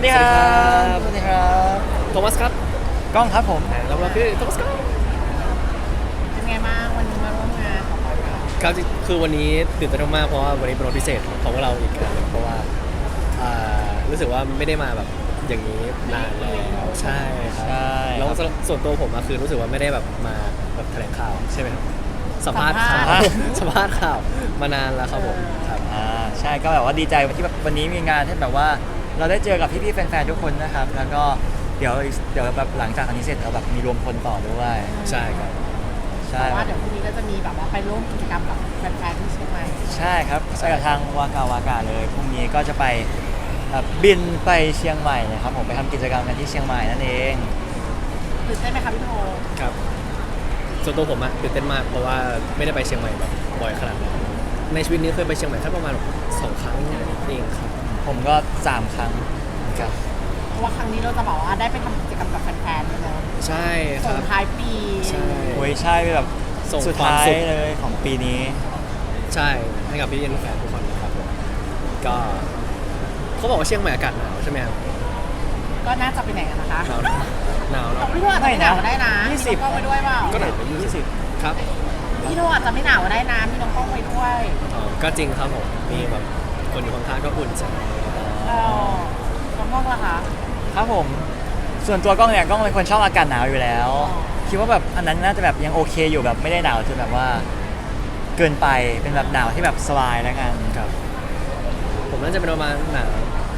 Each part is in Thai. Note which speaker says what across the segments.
Speaker 1: วัสดีครับ
Speaker 2: สวัสดีครับโทมัสครับ
Speaker 1: กล้องครับผม
Speaker 2: แล้วเราคือโทมัสครับ
Speaker 3: เป็นไงบ้างวันนี้มาร่วมงานของเรา
Speaker 2: ครับคือวันนี้ตื่นเต้นมากเพราะว่าวันนี้เป็นวันพิเศษของพวกเราอีกครั้งหนึ่งเพราะว่ารู้สึกว่าไม่ได้มาแบบอย่างนี้นานแล้วใช่ครับ
Speaker 1: ใช่
Speaker 2: แล้วส่วนตัวผมคือรู้สึกว่าไม่ได้แบบมาแบบแถลงข่าวใช่ไหมครับสัมภาษณ์ข่าวสัมภาษณ์ข่าวมานานแล้วครับผมครับ
Speaker 1: ใช่ก็แบบว่าดีใจที่แบบวันนี้มีงานที่แบบว่าเราได้เจอกับพี่ๆแฟนๆทุกคนนะครับแล้วก็เดี๋ยวแบบหลังจากอันนี้เสร็จเราแบบมีรวมพลต่อด้วย
Speaker 2: ใช่ครับ
Speaker 1: ใช่
Speaker 3: แต่ว่าเดี๋ยวพรุ่งนี้ก็จะมีแบบว่าไปร่วมกิจกรรมกับแฟนๆที่เชียงใหม่
Speaker 1: ใช่ครับไปกับทางวากาเลยพรุ่งนี้ก็จะไปบินไปเชียงใหม่นะครับผมไปทำกิจกรรมกันที่เชียงใหม่นั่นเอง
Speaker 3: ตื่นเต้นไหมคะพี่โท
Speaker 2: ครับส่วนตัวผมตื่นเต้นมากเพราะว่าไม่ได้ไปเชียงใหม่แบบบ่อยขนาดนั้นในชีวิตนี้เคยไปเชียงใหม่แค่ประมาณ2 ครั้งเองครับ
Speaker 1: ผมก็3 ครั้งเหมือนกัน
Speaker 3: เพราะว่าครั้งนี้เราจะบอกว่าได้ไปทำกิจกรรมกับแฟนๆเลยเนอะ
Speaker 2: ใช่ค
Speaker 3: ส่
Speaker 2: รั
Speaker 3: ง
Speaker 2: บ
Speaker 3: ท้ายปี
Speaker 2: ใช่
Speaker 1: โอ้ยใช่แบบ
Speaker 2: ส่ง
Speaker 1: สุด
Speaker 2: ความ
Speaker 1: ท้าย
Speaker 2: สุข
Speaker 1: เลยของปีนี้
Speaker 2: ใช่ให้กับพี่เอ็นแฟนทุกคนนะครับผมก็เขาบอกว่าเชียงใหม่อากาศหนาวใช่ไหมครับ
Speaker 3: ก็น่าจะไปไหนกันนะคะ
Speaker 2: หนาวเนาะ
Speaker 3: พี่โทอาจจะไม่หนาวก็ได้นะ
Speaker 1: ไม่นะ
Speaker 3: พี่น้องกล้องไปด้วยเปล่า
Speaker 2: ก็หนาวไป20ครับ
Speaker 3: พี่โทอาจจะไม่หนาวก็ได้นะพี่น้องกล้องไปด้วย
Speaker 2: อ๋อก็จริงครับผมมีแบบคนอยู่ข้างๆก็อุ่นใจ
Speaker 3: เออน้องกล้องล่ะคะ
Speaker 1: ครับผมส่วนตัวกล้องเนี่ยกล้องเป็นคนชอบอากาศหนาวอยู่แล้ว
Speaker 3: อ๋อ
Speaker 1: คิดว่าแบบอันนั้นน่าจะแบบยังโอเคอยู่แบบไม่ได้หนาวจนแบบว่าเกินไปเป็นแบบหนาวที่แบบสบายแล้วกัน
Speaker 2: ครับผมน่าจะเป็นประมาณหนาว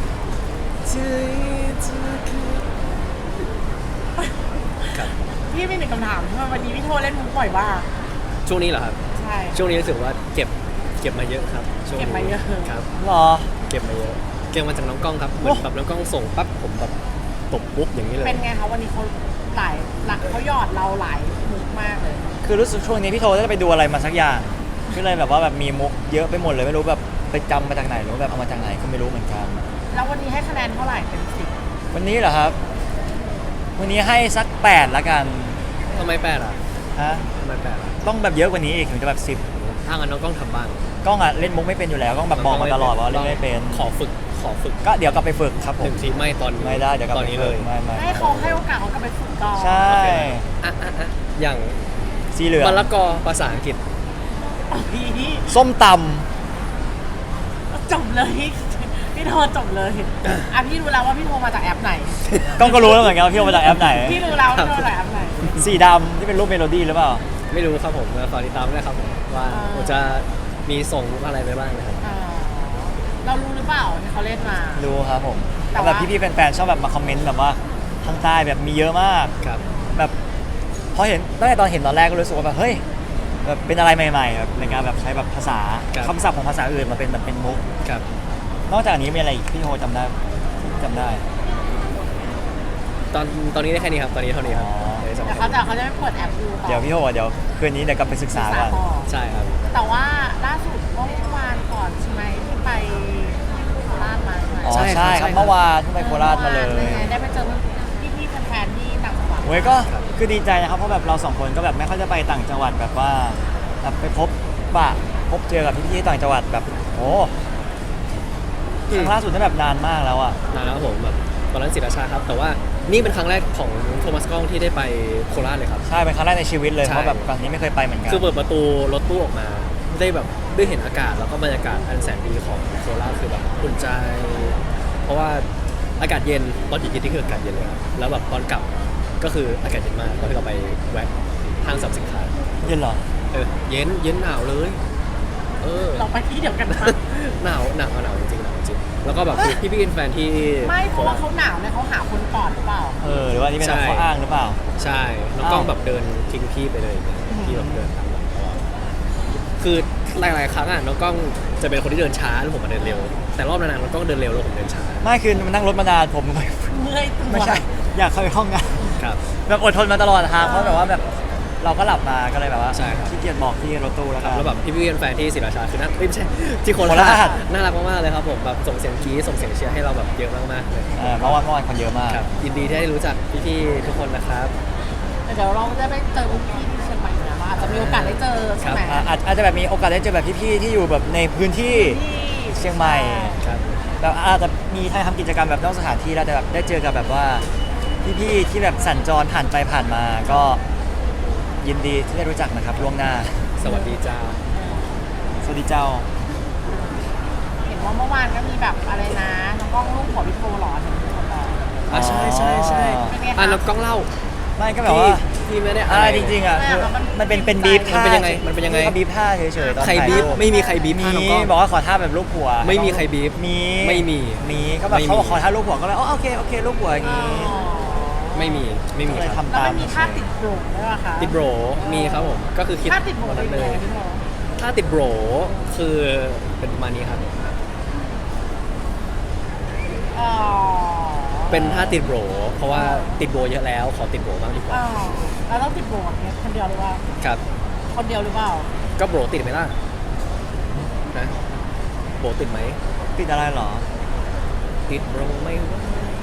Speaker 2: ครับ
Speaker 3: พี่มีหนึ่งคำถามทำไมวันนี้พี่โทเล่นมุกบ่อยบ้าง
Speaker 2: ช่วงนี้เหรอครับ
Speaker 3: ใช่
Speaker 2: ช่วงนี้รู้สึกว่าเก็บมาเยอะครับช่วงนี้
Speaker 3: เก็บมาเยอะ
Speaker 2: ครับ
Speaker 1: หรอ
Speaker 2: เก็บมาเยอะเก็บมาจากน้องกล้องครับเหมือนแบบน้องกล้องส่งปั๊บผมแบบตบปุ๊บอย่างนี้เลย
Speaker 3: เป็นไงคะวันนี้เขาหลายหลักเขาหยอดเราหลายมุกมากเลย
Speaker 1: คือรู้สึกช่วงนี้พี่โทจะไปดูอะไรมาสักอย่างก็เลยแบบว่าแบบมีมุกเยอะไปหมดเลยไม่รู้แบบไปจำมาจากไหนหรือว่าแบบเอามาจากไหนก็ไม่รู้เหมือนกัน
Speaker 3: แล้ววันนี้ให้คะแนนเท่าไหร่เป็น10
Speaker 1: วันนี้เหรอครับ วันนี้ให้สัก8ละกัน
Speaker 2: ทำไมแปดอ่ะ
Speaker 1: ฮะ
Speaker 2: ทำไมแปดอ่ะ
Speaker 1: ต้องแบบเยอะกว่านี้อีกถึงจะแบบ
Speaker 2: ถ้างั้นน้องกล้องทำบ้าง
Speaker 1: 10กล้องอ่ะเล่นมุกไม่เป็นอยู่แล้วกล้องแบบบอกมาตลอดว่าเล่นไม่เป็น
Speaker 2: ขอฝึก
Speaker 1: ก็เดี๋ยวกลับไปฝึกครับผ
Speaker 2: ห
Speaker 1: ม
Speaker 2: นึ่งทีไม่ตอนนี้
Speaker 1: ไม่ได้เดี๋ยวกลับ
Speaker 2: ตอน
Speaker 1: ไป
Speaker 2: นี้
Speaker 1: ฝึ
Speaker 2: เล
Speaker 1: ก
Speaker 2: ย
Speaker 1: ไม่
Speaker 3: ให้เขาให้โอกาสเขากลับไปฝึกก่อน
Speaker 1: ใช่
Speaker 2: อ่ะอย่าง
Speaker 1: สีเหลือง
Speaker 2: มะละกอภาษาอังกฤษ
Speaker 3: พี่
Speaker 1: ส้มต
Speaker 3: จบเลยพี่โทรจบเลยอ่ะพี่รู้แล้วว่าพี่โทรมาจากแอปไหน
Speaker 1: ำกล้องก็รู้แล้วเหมือนกันว่าพี่เอามาจากแอปไหน
Speaker 3: พี่รู้แล้วว่าพี่โทรมาจากแอปไหน
Speaker 1: สีดำที่เป็นรูปเมโลดี้หรือเปล่า
Speaker 2: ไม่รู้ครับผมแล้วฝากติดตามด้วยครับผมว่าผมจะมีส่งอะไรไปบ้างนะครับ
Speaker 3: อ๋อเรารู้หรือเปล่าที่เขาเล่นมา
Speaker 1: รู้ครับผม
Speaker 3: แต่ว่า
Speaker 1: แบบพี่ๆแฟนๆชอบแบบมาคอมเมนต์แบบว่าข้างใต้แบบมีเยอะมาก
Speaker 2: ครับ
Speaker 1: แบบพอเห็นตั้งแต่ตอนเห็นตอนแรกก็รู้สึกว่าแบบเฮ้ยแบบเป็นอะไรใหม่ๆแบบในการแบบใช้แบบภาษาคำศัพท์ของภาษาอื่นมาเป็นแบบเป็นมุก
Speaker 2: ครับ
Speaker 1: นอกจากนี้มีอะไรอีกพี่โฮจำได้จำได้
Speaker 2: ตอนนี้ได้แค่นี้ครับตอนนี้เท่านี้ครับ
Speaker 1: อ๋อ
Speaker 2: ดี๋ยวจะ
Speaker 3: แต่เขาจะไม่เปิดแอปดูต่อ
Speaker 1: เดี๋ยวพี่โฮเดี๋ยวคืนนี้เดี๋ยวกลับไปศึกษาก่อน
Speaker 3: ต่อ
Speaker 2: ใช่ครับ
Speaker 3: แต่ว่าล่าสุดเมื่อวานก่อนใช่ไหมที่ไปโคราชมาใช่ไหม
Speaker 1: อ๋อ
Speaker 2: ใช่ครับ
Speaker 1: ใช่ครับ
Speaker 2: ใช่ครับ
Speaker 1: เมื่อวานที่ไปโคราชมาเลย
Speaker 3: ป็นไงได้ไปเจอพี่ๆแฟนๆที่ต่างจังหวัด
Speaker 1: โอ้ยก็คือดีใจนะครับเพราะแบบเราสองคนก็แบบไม่ค่อยจะไปต่างจังหวัดแบบว่าแบบไปพบเจอกับพี่ๆที่ต่างจังหวัดแบบโอ้ครั้งล่าสุดนั่นแบบนานมากแล้วอ่ะ
Speaker 2: นานแล้วครับผมแบบตอนนั้นศิราชาครับ แต่ว่านี่เป็นครั้งแรกของโทมัสกล้องที่ได้ไปโคราชเลยครับ
Speaker 1: ใช่เป็นครั้งแรกในชีวิตเลย
Speaker 2: ใช่
Speaker 1: เพราะแบบก่อนนี้ไม่เคยไปเหมือนกัน
Speaker 2: คือเปิดประตูรถตู้ออกมาได้แบบได้เห็นอากาศแล้วก็บรรยากาศอันแสนดีของโคราชคือแบบอุ่นใจ เพราะว่าอากาศเย็นตอนอยู่กินที่คืออากาศเย็นเลยครับแล้วแบบตอนกลับก็คืออากาศเย็นมากตอนที่เราไปแวะห้างสรรพสินค้า
Speaker 1: เย็นเหรอ
Speaker 2: เย็นหนาวเลย
Speaker 3: เราไปที่เดียวกันนะ
Speaker 2: หนาวจริงหนาวจริงแล้วก็แบบพี่เป็นแฟนที่
Speaker 3: ไม่เพราะว่าเขาหนาวเนี่ยเขาหาคนกอดหรือเปล่า
Speaker 1: หรือว่านี่เป็นข้ออ้างหรือเปล่า
Speaker 2: ใช่น้องกล้องแบบเดินทิ้งพี่ไปเลยพี่แบบเดินตามหลังตลอดคือหลายๆครั้งน้องกล้องจะเป็นคนที่เดินช้าแล้วผมมาเดินเร็ว แต่รอบนั้นน้องกล้องเดินเร็วแล้วผมเดินช้า
Speaker 1: ไม่คือมันนั่งรถมานานผม
Speaker 3: เมื่อยตัว
Speaker 1: ไม่ใช่อยากเข้าไปห้องน้
Speaker 2: ครับ
Speaker 1: ำแบบอดทนมาตลอดทางเพราะแบบว่าแบบเราก็หลับมาก็เลยแบบว่า
Speaker 2: ใช่ครับ
Speaker 1: ขี้เกียจบอกที่รถตู้แล้ว
Speaker 2: ค
Speaker 1: กั
Speaker 2: รับ
Speaker 1: น
Speaker 2: แล้วแบบพี่เป็นแฟนที่ศิราชาคือน่าไม่ใช่ที่โค
Speaker 1: โค
Speaker 2: รา
Speaker 1: รา
Speaker 2: ช
Speaker 1: ช
Speaker 2: น่ารักมากๆเลยครับผมแบบส่งเสียงกรี๊ดส่งเสียงเชียร์ให้เราแบบเยอะมากๆเลย
Speaker 1: เมื่อวานคนเยอะมาก
Speaker 2: ครับยินดีที่ได้รู้จักพี่ๆทุกคนนะครับ
Speaker 3: เดี๋ยวเราจะไปเจอพี่ที่เชียงใหม่นะว่าอาจจะมีโอกาสได้เจอใช่ไหม
Speaker 1: อาจจะแบบมีโอกาสได้เจอแบบพี่ๆที่อยู่แบบในพื้นที่
Speaker 3: ที่
Speaker 1: เชียงใหม่
Speaker 2: ครับ
Speaker 1: แบบอาจจะมีทำกิจกรรมแบบนอกสถานที่แล้วแต่แบบได้เจอกับแบบว่าพี่ๆที่แบบสัญจรผ่านไปผ่านมาก็ยินดีที่ได้รู้จักนะครับล่วงหน้า
Speaker 2: สวัสดีจ้า
Speaker 1: สวัสดีเจ้า
Speaker 3: เห็นว่าเมื่อวานก็มีแบบอะไรนะน้องกล้องลูกหัวพี่โทหรอเห็นคนบอก
Speaker 2: อ่ะใช่ใช่ใช่
Speaker 3: เป็นไงคะ
Speaker 2: อ่ะแล้วกล้องเล่า
Speaker 1: ไม่ก็แบบว่า
Speaker 2: พี่ไม่ได้
Speaker 1: อะไรจริงๆอ่ะคือ
Speaker 3: มัน
Speaker 1: มันเป็นบีฟ
Speaker 2: มัน
Speaker 1: ท่า
Speaker 2: เป็นยังไงมันเป็นยังไง
Speaker 1: เขาบีฟท่าเฉยๆตอน
Speaker 2: ใคร
Speaker 1: ถ่าย
Speaker 2: บีบ
Speaker 1: รูป
Speaker 2: ไม่มีใครบีบ
Speaker 1: มี
Speaker 2: ท่าน้องกล้อง
Speaker 1: บอกว่าขอท่าแบบรูปหัว
Speaker 2: ไม่มีใครบีบ
Speaker 1: มี
Speaker 2: ไม่มี
Speaker 1: มีก็แบบ
Speaker 2: ไม่มี
Speaker 1: เขาบอกขอท่ารูปหัวก็เลยอ๋อโอเคโอเครูปหัวอย่าง
Speaker 3: อ๋อ
Speaker 1: งี้
Speaker 2: ไม่มีไม่มี
Speaker 1: ก็เลย
Speaker 2: ครับ
Speaker 1: ทำ
Speaker 3: แล้ว
Speaker 1: ตาม
Speaker 3: มันมีท่าติดโบรด้วยป่ะคะ
Speaker 2: ติดโบรมีครับผมก็คือคิด
Speaker 3: ท่าติดโบร
Speaker 2: วัน
Speaker 3: เป็
Speaker 2: นั้น น
Speaker 3: ยัง
Speaker 2: เล
Speaker 3: ไง
Speaker 2: ย
Speaker 3: พี่โท
Speaker 2: ถ้าติดโบรคือเป็นประมาณนี้ครับ
Speaker 3: อ๋อ
Speaker 2: เป็นท่าติดโบรเพราะว่าติดโบรเยอะแล้วขอติดโบรบ้างดีกว่า
Speaker 3: อ๋อเราต้องติดโบรเนี่ยคนเดียวหรือเปล่า
Speaker 2: ครับ
Speaker 3: คนเดียวหรือเปล่า
Speaker 2: ก็โบรติดไหมล่ะนะโบรติดไหม
Speaker 1: ติดอะไรเหรอ
Speaker 2: ติดโบรไม่ว่า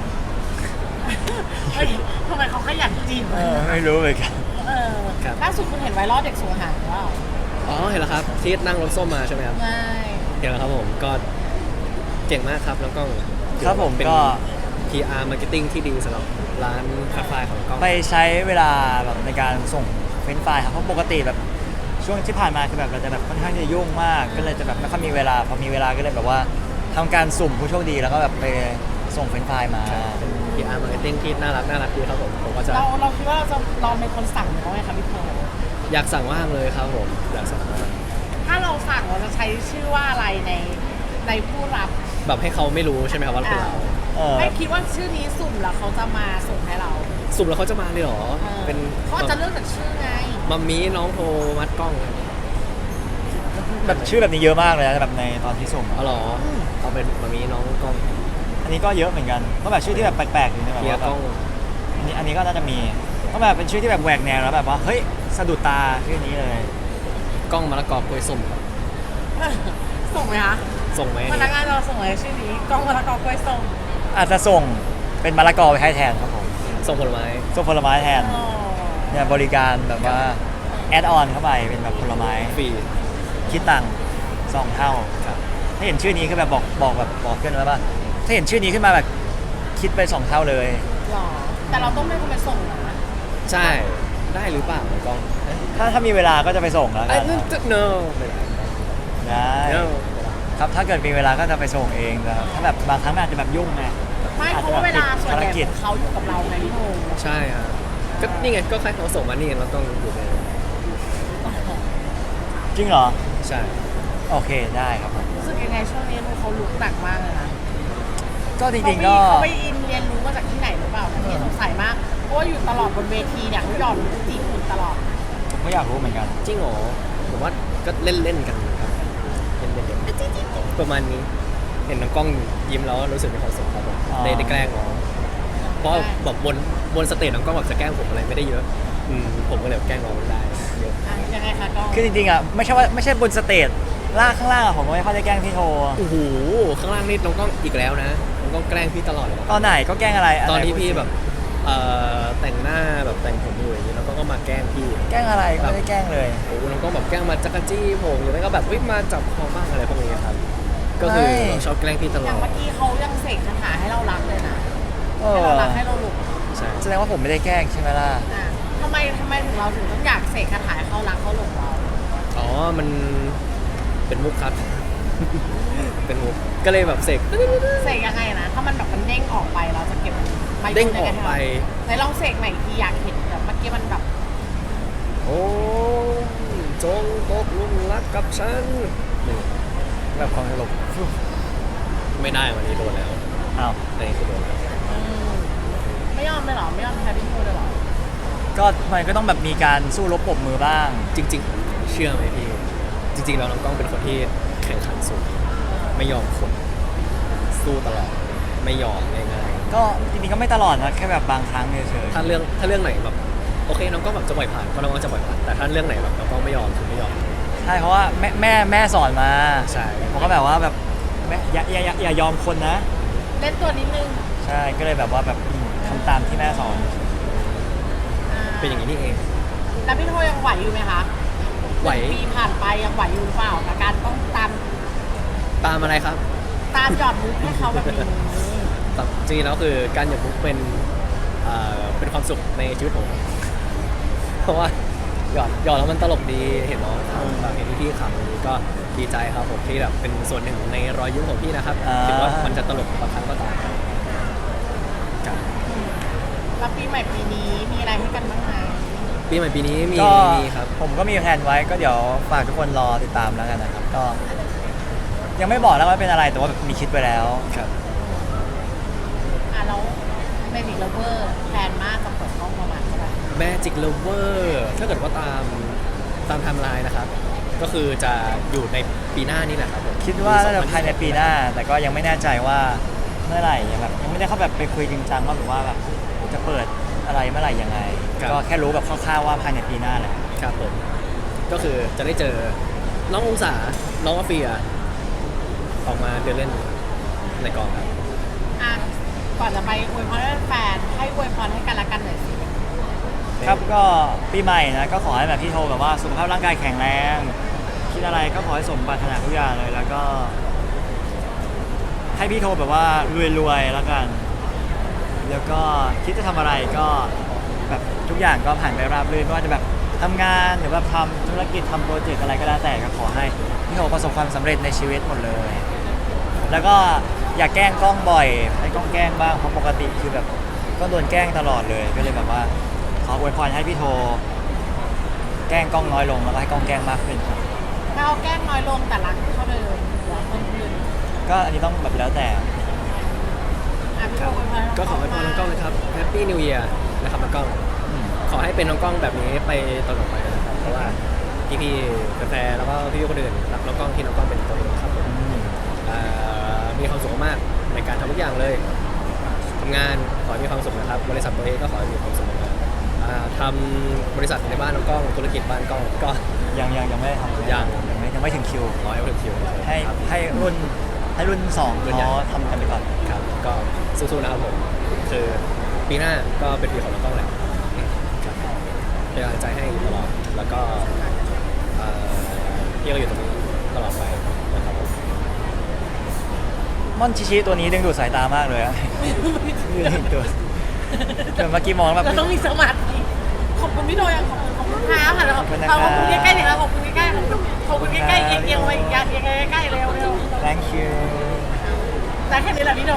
Speaker 3: เฮ้ยทำไมเขาขยันจีบ
Speaker 1: ไม่รู้เลยกัน
Speaker 3: เออล่าสุดคุณเห็นไวรัลเด็กส่งอาหารหรือเปล่า
Speaker 2: อ๋อเห็นแล้วครับที่นั่งรถส้มมาใช่ไหมครับ
Speaker 3: ไม่
Speaker 2: เห็นแล้วครับผมก็เก่งมากครับน้องกล้อง
Speaker 1: ครับผม
Speaker 2: เป็น
Speaker 1: ก็
Speaker 2: PR Marketing ที่ดีสำหรับร้านคาเฟ่ของน้องกล้อง
Speaker 1: ไปใช้เวลาแบบในการส่งเฟรนช์ฟรายครับเพราะปกติแบบช่วงที่ผ่านมาคือแบบเราจะแบบค่อนข้างจะยุ่งมาก ก็เลยจะแบบไม่ค่อยมีเวลาพอมีเวลาก็เลยแบบว่าทำการสุ่มผู้โชคดีแล้วก็แบบไปส่งเฟรนช์ฟรายมา
Speaker 2: เป็น PR Marketing ที่น่ารักดีครับผมก็จะ
Speaker 3: เราคิดว่าเราจะลองเป็นคนสั่งหรือว่าไงคะพี่โท
Speaker 2: อยากสั่งว่างเลยครับผมอยากสั่งว่าง
Speaker 3: ถ้าเราสั่งเราจะใช้ชื่อว่าอะไรในผู้รับ
Speaker 2: แบบให้เขาไม่รู้ใช่ไหมครับว่าเป็นเรา
Speaker 1: เออ
Speaker 3: ไม่คิดว่าชื่อนี้สุ่มแล้วเขาจะมาส่งให้เรา
Speaker 2: สุ่มแล้วเขาจะมาเลยเหรอ
Speaker 3: เออ
Speaker 2: เป็น
Speaker 3: เขาอาจจะเลือกจากชื่อไง
Speaker 2: มัมมี่น้องโทรมัดกล้อง
Speaker 1: แบบชื่อแบบนี้เยอะมากเลยนะแบบในตอนที่ส่ง
Speaker 2: เอาเหรอเอาเป็นมัมมี่น้องกล้อง
Speaker 1: อันนี้ก็เยอะเหมือนกันก็แบบชื่อที่แบบแปลกๆอยู่ในแบบ
Speaker 2: เฮีย
Speaker 1: ว่าแบ
Speaker 2: กล้
Speaker 1: บ
Speaker 2: อง
Speaker 1: อันนี้ก็น่าจะมีก็แบบเป็นชื่อที่แบบแหวกแนวแล้วแบบว่าเฮ้ยสะดุดตาชื่อนี้เลย
Speaker 2: กล้องมะละกอกล้วยส้มครับ
Speaker 3: ส่งไหมคะ
Speaker 2: ส่งไหม
Speaker 3: พนักงานเราส่งเลยชื่อนี้กล้องมะละกอกล้วยส้ม
Speaker 1: อาจจะส่งเป็นมะละกอไปให้แทนครับผม
Speaker 2: ส่งผลไม้
Speaker 1: ส่งผลไม้แทน
Speaker 3: อ๋อ
Speaker 1: เนี่ยบริการแบบว่าแอดออนเข้าไปเป็นแบบผลไม้
Speaker 2: ฟรี
Speaker 1: คิดตังค์2 เท่า
Speaker 2: ครับ
Speaker 1: ถ้าเห็นชื่อนี้คือแบบบอกเพื่อนแล้วว่าถ้าเห็นชื่อนี้ขึ้นมาแบบคิดไป2 เท่าเลย
Speaker 3: หรอแต่เราต้องเป็นคนไปส่งนะ
Speaker 2: ใช่ได้หรือเปล่าน้องกล้อง
Speaker 1: ถ้ามีเวลาก็จะไปส่งแล้ว
Speaker 2: ไอ้
Speaker 1: กัน
Speaker 2: นั่นจะ no ไม่ได้
Speaker 1: ได้
Speaker 2: no
Speaker 1: ครับถ้าเกิดมีเวลาก็จะไปส่งเองแต่ถ้าแบบบางครั้งมันอาจจะแบบยุ่งไง
Speaker 3: ไม่เพราะว่าเวลาส่วนใหญ่
Speaker 1: ภารกิจ
Speaker 3: ของเขาอยู่กับเราไงพี่โท
Speaker 2: ใช่ครับก็นี่ไงก็ใครเขาส่งมานี่เราต้องอยู่ใน
Speaker 1: จริงเหรอ
Speaker 2: ใช่
Speaker 1: โอเคได้ครับผม
Speaker 3: รู้สึกยังไงช่วงนี้เขาลุกหนักมากเลยนะ
Speaker 1: ก็จริงๆก็
Speaker 3: เขาไปอินเรียนรู้มาจากที่ไหนหรือเปล่าพี่สงสัยมากเพราะว่าอยู่ตลอดบนเวทีเนี่ยเขาหย่อนจีบคุณตลอด
Speaker 1: ผมก็อยากรู้เหมือนกัน
Speaker 2: จริงเหรอผมว่าก็เล่นๆกันครับเล่นๆประมาณนี้เห็นน้องกล้องยิ้มแล้วรู้สึกมีความสุขครับผม
Speaker 1: อ๋อ
Speaker 2: ได้แกล้งน้องเพราะแบบบนสเตจน้องกล้องแบบจะแกล้งผมอะไรไม่ได้เยอะผมก็เลยแกล้งน้องได้เยอะ
Speaker 3: อ่ะยังไงคะก็
Speaker 1: คือจริงๆอ่ะไม่ใช่บนสเตจล่างข้างล่างอะผมก็ไม่ค่อยได้แกล้งพี่โท
Speaker 2: โอ้โหข้างล่างนี่น้องกล้องอีกแล้วนะน้องกล้องแกล้งพี่ตลอดเลย
Speaker 1: ตอนไหนก็แกล้งอะไระไร
Speaker 2: ตอนที่
Speaker 1: พูด
Speaker 2: พี่
Speaker 1: สิ
Speaker 2: แบบแต่งหน้าแบบแต่งผมอยู่อย่างนี้แล้วก็มาแกล้งพี่
Speaker 1: แกล้งอะไรก็ไม่ได้แกล้งเลย
Speaker 2: โอ้โหน้องกล้องแบบแกล้งมาจักรจี้ผมหรือไม่ก็แบบมาจับคอบ้างอะไรพวกนี้ครับก็คือเราชอบแกล้งพี่ตล
Speaker 3: อ
Speaker 2: อย่าง ด
Speaker 3: เมื่อกี้เขายังเสกคาถาให้เรารักเลยนะ
Speaker 1: เอ
Speaker 3: ให้
Speaker 1: อ
Speaker 3: เรารักให้เราหลุด
Speaker 2: ใช่
Speaker 1: แสดงว่าผมไม่ได้แกล้งใช่ไหมล่ะ
Speaker 3: อ่ะทำไมถึงเราถึงต้องอยากเสกคาถาให้เขารักเขาหลงเรา
Speaker 2: อ๋อมันเป็นมุกครับ เป็นมุกก็เลยแบบเสก
Speaker 3: เสกยังไงนะถ้ามันแบบมันเด้งออกไปเราจะเก็บไม้
Speaker 2: เด้งออกไป
Speaker 3: ไหนลองเสกใหม่อีกทีอยากเห็นแบบเมื่อกี้มันแบบ
Speaker 2: โอ้จงตกหลุมรักกับฉันนี่
Speaker 1: แบบความตลก
Speaker 2: ไม่ได้วันนี้โดนแล้ว
Speaker 1: อ้าว
Speaker 2: อันนี้คือโดนแล้ว
Speaker 3: อืมไม่ยอมเลยเหรอไม่ยอมแพ้พี่โทเลยเหรอ
Speaker 1: ก็มันก็ต้องแบบมีการสู้รบปรบมือบ้าง
Speaker 2: จริง ๆ เชื่อไหมพี่ จริงๆแล้วน้องกล้องเป็นคนที่แข่งขันสูงไม่ยอมคนสู้ตลอดไม่ยอมง่าย
Speaker 1: ก็จริงๆก็ไม่ตลอดนะแค่แบบบางครั้งเฉย
Speaker 2: ๆถ้าเรื่องไหนแบบโอเคน้องกล้องแบบจะปล่อยผ่านก็น้องกล้องจะปล่อยผ่านแต่ถ้าเรื่องไหนแบบน้องกล้องไม่ยอมคือไม่ยอม
Speaker 1: ๆใช่เพราะว่าแม่สอนมา
Speaker 2: ใช่
Speaker 1: ผมก็แบบว่าแบบแม่อย่ายอมคนนะ
Speaker 3: เล่นตัวนิดนึง
Speaker 1: ใช่ก็เลยแบบว่าแบบทำตามที่แม่สอน
Speaker 2: เป็นอย่างนี้นี่เอง
Speaker 3: แล้วพี่โทยังไหวอยู่ไหมคะ
Speaker 2: ไหว
Speaker 3: 1 ปีผ่านไปยังไหวอยู่หรือเปล่ากับการต้องตาม
Speaker 2: ตามอะไรครับ
Speaker 3: ตตามหยอดมุกให้เขาแบบนี้
Speaker 2: จริงๆแล้วคือการหยดมุกเป็นความสุขในชีวิตผม เพราะว่าหยอดแล้วมันตลกดีเห็นน้องทำแบบเห็นพี่ๆขำอย่างนี้ก็ดีใจครับผมที่แบบเป็นส่วนหนึ่งในรอยยิ้มของพี่นะครับถึงว่ามันจะตลกบางครั้งก็ตามครับ
Speaker 3: แล้วปีใหม่ปีนี้มีอะไรให้กันบ้างไหม
Speaker 2: ปีใหม่ปีนี้มี
Speaker 1: ก็
Speaker 2: ครับ
Speaker 1: ผมก็มีแผนไว้ก็เดี๋ยวฝากทุกคนรอติดตามแล้วกันนะครับก็ ยังไม่บอกแล้วว่าเป็นอะไรแต่ว่าแบบมีคิดไว้แล้ว
Speaker 2: ครับ
Speaker 3: แล้วเมจิกเลเวอร์แพลนมากจะเปิดกล้องประมาณเท่าไหร่
Speaker 2: Magic Lover ถ้าเกิดว่าตามไทม์ไลน์นะครับ ก็คือจะอยู่ในปีหน้านี่แหละครับผม
Speaker 1: คิดว่าน่าจะภายในปีหน้า แต่ก็ยังไม่แน่ใจว่าเมื่อไหร่แบบยังไม่ได้เข้าแบบไปคุยจริงจังว่าแบบว่าแบบจะเปิดอะไรเมื่อไหร่ยังไง ก็แค่รู้แบบคร่าวๆว่าภายในปีหน้าแหละ
Speaker 2: ครับผม ก็คือจะได้เจอน้ององศา น้องอาเฟีย ออกมาเดินเล่นในกองครับ
Speaker 3: ก่อนจะไปอวยพรให้แฟนให้อวยพรให้กันและกันหน่อยสิ
Speaker 1: ครับก็ปีใหม่นะก็ขอให้แบบพี่โทแบบว่าสุขภาพร่างกายแข็งแรงคิดอะไรก็ขอให้สมปรารถนาทุกอย่างเลยแล้วก็ ให้พี่โทแบบว่ารวยๆแล้วกัน แล้วก็คิดจะทำอะไรก็แบบทุกอย่างก็ผ่านไปราบรื่นไม่ว่าจะแบบทำงานหรือว่าทำธุรกิจทำโปรเจกต์อะไรก็แล้วแต่ก็ขอให้พี่โทประสบความสำเร็จในชีวิตหมดเลย แล้วก็อย่าแกล้งกล้องบ่อยให้กล้องแกล้งบ้างเพราะปกติคือแบบก็โดนแกล้งตลอดเลยก็เลยแบบว่าขออวยพรให้พี่โทแกล้งกล้องน้อยลงแล้วก็ให้กล้องแกล้งมากขึ้นครับ
Speaker 3: ถ้าเอาแกล้งน้อยลงแต่รักเท่าเดิมรักเพิ่มขึ้น
Speaker 1: ก็อันนี้ต้องแบบแล้วแต่
Speaker 3: พี่โทอวยพร
Speaker 2: ก็ขอให้พรน้องกล้องนะครับ Happy New Year นะครับน้องกล้อง ขอให้เป็นน้องกล้องแบบนี้ไปตลอดไปนะครับ เพราะว่าพี่ๆแฟนๆแล้วก็พี่ๆคนอื่นรักน้องกล้องที่น้องกล้องเป็นตัวเองครับผมมีความสุขมากในการทำทุกอย่างเลยทำงานขอให้มีความสุขนะครับ บริษัทตัวเองก็ขอให้มีความสุขมากทำบริษัทในบ้านน้องกล้องธุรกิจบ้านกล้องก็
Speaker 1: ยังไม่ได้ทำ ยังไม่ถึงคิว
Speaker 2: รอให้ถึงคิว
Speaker 1: ให้
Speaker 2: ครับ
Speaker 1: ให้รุ่นสอง
Speaker 2: รุ่นใหญ่
Speaker 1: เขาทำกันไปก่อน
Speaker 2: ครับก็สู้ๆนะครับผมคือปีหน้าก็เป็นปีของน้องกล้องแหละครับเป็นกำลังใจให้ตลอดแล้วก็พี่ก็อยู่ตรงนี้ตลอดไปนะครับผม
Speaker 1: ม่อนชิชิตัวนี้ดึงดูดสายตามากเลยอะ ยืนเห็นตัวเมื่อกี้มองแบบ
Speaker 3: เราต้องมีสมาธิขอบคุณพี่โทยังขอบคุณครับค่ะ
Speaker 1: ขอบคุณนะ
Speaker 3: ข
Speaker 1: ครับ
Speaker 3: อบคุณใกล้ๆหน่อยครับขอบคุณใกล้ๆขอบคุณใกล้ๆเอียงๆไปอีกอย่างเอียงใกล้ๆเร็ว
Speaker 1: thank you
Speaker 3: แต่แค่นี้แหละพี่โท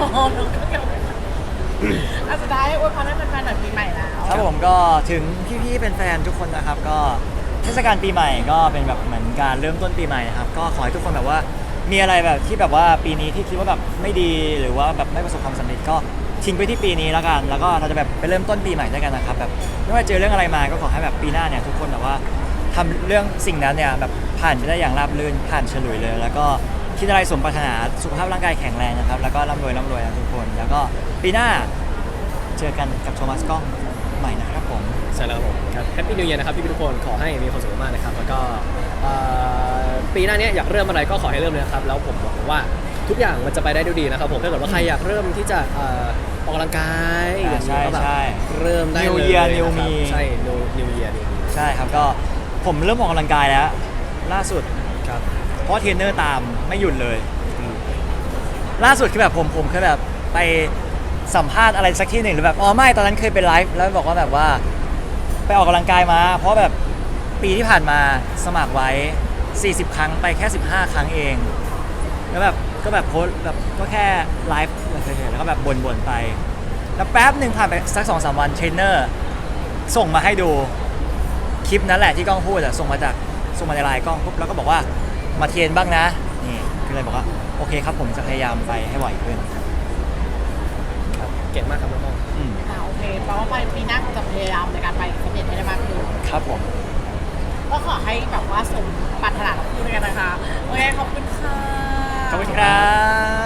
Speaker 3: สุดท้ายอวยพรให้แฟนๆหน่อยปีใหม่แล้ว
Speaker 1: ครับผมก็ถึงพี่ๆเป็นแฟนทุกคนนะครับ ก็เทศกาลปีใหม่ก็เป็นแบบเหมือนการเริ่มต้นปีใหม่นะครับก็ขอให้ทุกคนแบบว่ามีอะไรแบบที่แบบว่าปีนี้ที่คิดว่าแบบไม่ดีหรือว่าแบบไม่ประสบความสำเร็จก็ทิ้งไปที่ปีนี้แล้วกัน แล้วก็เราจะแบบไปเริ่มต้นปีใหม่ด้วยกันนะครับแบบไม่ว่าเจอเรื่องอะไรมาก็ขอให้แบบปีหน้าเนี่ยทุกคนแบบว่าทำเรื่องสิ่งนั้นเนี่ยแบบผ่านไปได้อย่างราบรื่นผ่านฉลุยเลย แล้วก็คิดอะไรสมปรารถนาสุขภาพร่างกายแข็งแรงนะครับแล้วก็ร่ำรวยนะทุกคน แล้วก็ปีหน้าเจอกันกับโทมัสกล้องใหม่นะครับผม
Speaker 2: ใช่แล้วครับผมครับแฮปปี้นิว e ย r นะครับพี่ทุกคนขอให้มีความสุขมากนะครับแล้วก็ปีหน้านี้อยากเริ่มอะไรก็ขอให้เริ่มเลยนะครับแล้วผมหวังว่าทุกอย่างมันจะไปได้ด้วยดีนะครับผมถ้าเกิดว่าใครอยากเริ่มที่จะออกกำลังกาย
Speaker 1: ใช่
Speaker 2: ก็แบบ
Speaker 1: ใช่
Speaker 2: เริ่มได้เลย
Speaker 1: New Year
Speaker 2: นะครับ
Speaker 1: New Me
Speaker 2: ใช่ New Year New Me
Speaker 1: ใช่ครับก็ผมเริ่มออกกำลังกายแล้วล่าสุด
Speaker 2: ครับ
Speaker 1: เพราะเทรนเนอร์ตามไม่หยุดเลย
Speaker 2: อืม
Speaker 1: ล่าสุดคือแบบผมเคยแบบไปสัมภาษณ์อะไรสักที่หนึ่งหรือแบบอ๋อไม่ตอนนั้นเคยไปไลฟ์แล้วบอกว่าแบบว่าไปออกกำลังกายมา เพราะแบบปีที่ผ่านมาสมัครไว้ 40 ครั้งไปแค่ 15 ครั้งเอง แล้วแบบก็แบบโพสต์แบบก็แค่ไลฟ์เฉยๆแล้วก็แบบบ่นๆไป แล้วแป๊บหนึ่งผ่านไปสัก 2-3 วันเทรนเนอร์ส่งมาให้ดูคลิปนั้นแหละที่กล้องพูดอะส่งมาในไลน์กล้องปุ๊บแล้วก็บอกว่ามาเทรนบ้างนะนี่ก็เลยบอกว่าโอเคครับผมจะพยายามไปให้บ่อยขึ้น
Speaker 2: ครับเก่งมากครับน้อง
Speaker 1: อืม
Speaker 3: โอเคแปลว่าไปปีหน้าจะพยายามในการไปฟิตเนสให้ได้มากขึ้น
Speaker 1: ครับผม
Speaker 3: ก็ขอให้แบบว่าสมปรารถนาของคุณด้วยกันนะคะโอเคขอบคุณค่ะ
Speaker 1: ขอบคุณครับ